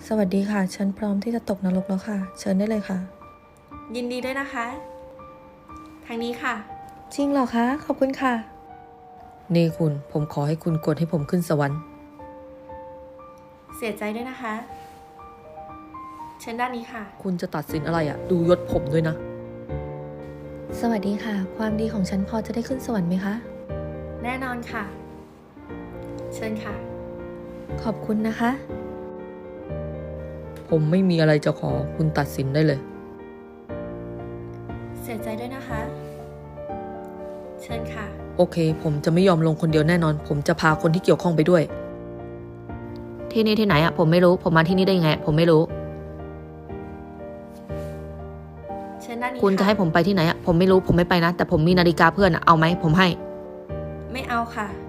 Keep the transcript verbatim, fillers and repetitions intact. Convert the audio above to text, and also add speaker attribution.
Speaker 1: สวัสดีค่ะฉันพร้อมที่จะตกนรกแล้วค่ะเชิญได้เลยค่ะ
Speaker 2: ยินดีด้วยนะคะทางนี้ค่ะ
Speaker 1: จริงเหรอคะขอบคุณค่ะ
Speaker 3: นี่คุณผมขอให้คุณกดให้ผมขึ้นสวรรค์
Speaker 2: เสียใจด้วยนะคะเชิญด้านนี้ค่ะ
Speaker 3: คุณจะตัดสินอะไรอะ่ะ ดูยศผมด้วยนะ
Speaker 1: สวัสดีค่ะความดีของฉันพอจะได้ขึ้นสวรรค์ไหมคะ
Speaker 2: แน่นอนค่ะเชิญค่ะ
Speaker 1: ขอบคุณนะคะ
Speaker 3: ผมไม่มีอะไรจะขอคุณตัดสินได้เลย
Speaker 2: เสียใจด้วยนะคะเชิญค่ะ
Speaker 3: โอเคผมจะไม่ยอมลงคนเดียวแน่นอน ผมจะพาคนที่เกี่ยวข้องไปด้วย ที่นี่ที่ไหนอะผมไม่รู้ผมมาที่นี่ได้ยังไงผมไม่รู้
Speaker 2: เชิญด้านนี้
Speaker 3: คุณจะให้ผมไปที่ไหนอะผมไม่รู้ผมไม่ไปนะแต่ผมมีนาฬิกาเพื่อนอะเอาไหมผมให้
Speaker 2: ไม่เอาค่ะ